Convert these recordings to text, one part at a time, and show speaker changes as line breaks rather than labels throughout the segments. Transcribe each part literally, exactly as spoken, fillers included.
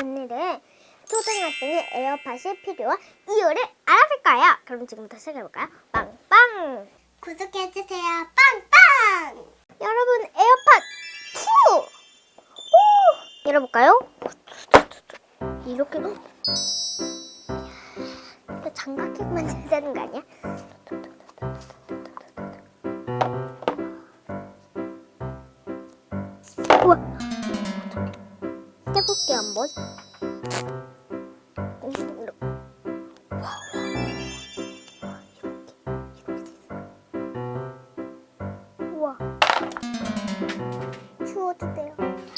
오늘은 초등학생이 에어팟이 필요한 이유를 알아볼 거예요. 그럼 지금부터 시작해볼까요? 빵빵! 구독해주세요. 빵빵! 여러분, 에어팟 투! 오! 열어볼까요? 이렇게 장갑 끼고 만져야 되는 거 아니야? 우와! 해볼게 한번. 우와. 추워도 돼요.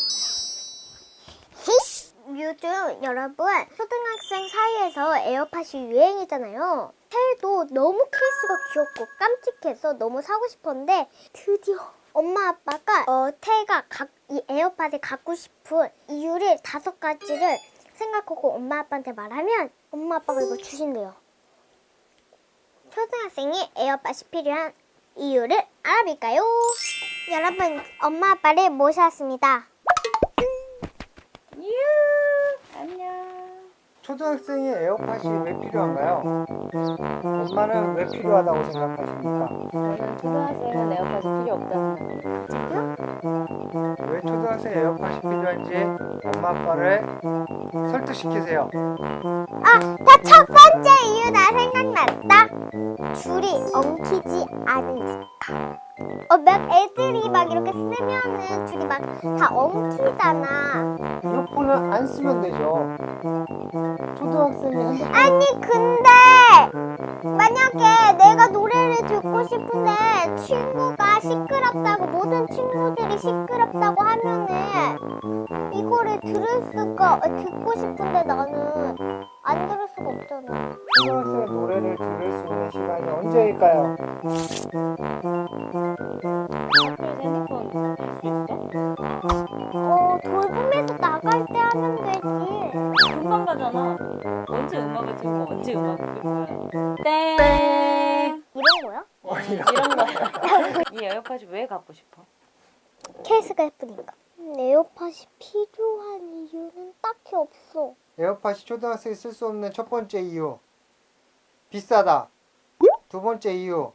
요즘 여러분 초등학생 사이에서 에어팟이 유행이잖아요. 테일도 너무 케이스가 귀엽고 깜찍해서 너무 사고 싶었는데 드디어 엄마 아빠가 어, 테일가 각, 이 에어팟을 갖고 싶은 이유를 다섯 가지를 생각하고 엄마 아빠한테 말하면 엄마 아빠가 이거 주신대요. 초등학생이 에어팟이 필요한 이유를 알아볼까요? 여러분, 엄마 아빠를 모셨습니다.
유 안녕.
초등학생이 에어팟이 왜 필요한가요? 엄마는 왜 필요하다고 생각하십니까?
저는 초등학생은 에어팟이 필요 없다는 생각해요.
왜 초등학생 에어팟이 필요한지 엄마 아빠를 설득시키세요.
아, 나 첫 번째 이유 나 생각났다. 줄이 엉키지 않으니까. 어, 몇 애들이 막 이렇게 쓰면은 줄이 막 다 엉키잖아.
이어폰은 안 쓰면 되죠. 초등학생이 핸드폰
아니 근데 만약에 내가 노래를 듣고 싶은데 친구가 시끄럽다고 모든 친구들이 시끄럽다고 하면은 이거를 들을 수가 어, 듣고 싶은데 나는 안 들을 수가 없잖아.
초등학생 노래를 들을 수 있는 시간이 언제일까요?
학교에서 핸드폰 쓸 수 있어?
어 돌봄에서 나갈 때 하면 되지.
금방 가잖아. 언제 음악을 듣고 언제 음악을 듣고 땡
이런 거야?
어, 이런 거야. 이 에어팟이 왜 갖고 싶어?
케이스가 예쁘니까. 에어팟이 필요한 이유는 딱히 없어.
에어팟이 초등학생이 쓸 수 없는 첫 번째 이유 비싸다. 두 번째 이유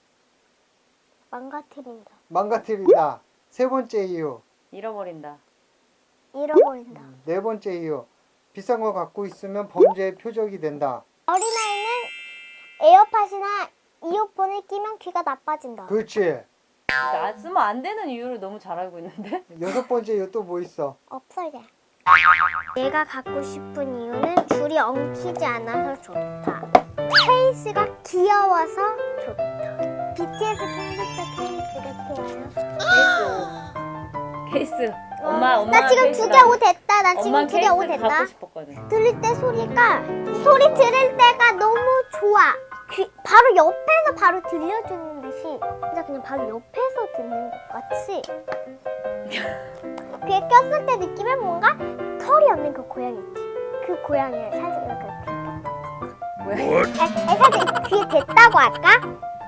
망가뜨린다.
망가뜨린다. 세 번째 이유
잃어버린다.
잃어버린다.
네 번째 이유 비싼 거 갖고 있으면 범죄의 표적이 된다.
어린아이는 에어팟이나 이어폰을 끼면 귀가 나빠진다.
그렇지.
나 쓰면 안 되는 이유를 너무 잘 알고 있는데?
여섯 번째 이유 또 뭐 있어?
없어 이제. 내가 갖고 싶은 이유는 줄이 엉키지 않아서 좋다. 케이스가 귀여워서 좋다. 비티에스 팬분들 케이스가 필요해요.
케이스. 케이스. 엄마 엄마.
나 지금 두 개 옷 됐다. 나 지금
엄마
두 개 옷
케이스
됐다.
갖고 싶었거든.
들을 때 소리가 소리 들을 때가 너무 좋아. 귀, 바로 옆에서 바로 들려주는 듯이 진짜 그냥 바로 옆에서 듣는 것 같이 귀에 꼈을 때 느낌은 뭔가 털이 없는 그 고양이 있지. 그 고양이를 살짝 이렇게
왜?
애, 애 살짝 귀에 댔다고 할까?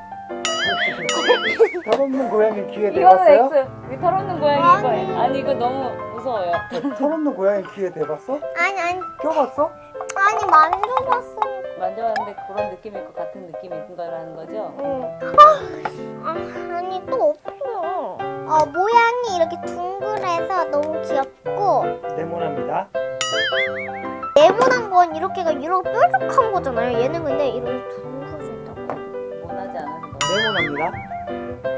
털 없는 고양이 귀에
이거는
대봤어요?
X. 이 털없는 고양이
아니.
이거. 아니 이거 너무 무서워요.
털 없는 고양이 귀에 대봤어?
아니 아니
껴봤어?
아니 만져봤어.
만져봤는데 그런 느낌일 것 같은 느낌인 거라는 거죠?
응. 아, 아, 아니 또 없어. 어 모양이 이렇게 둥글해서 너무 귀엽고
네모납니다.
네모난 건 이렇게가 이렇게 뾰족한 거잖아요. 얘는 근데 이렇게 둥그러져 있다고.
원하지 않은 거.
네모납니다.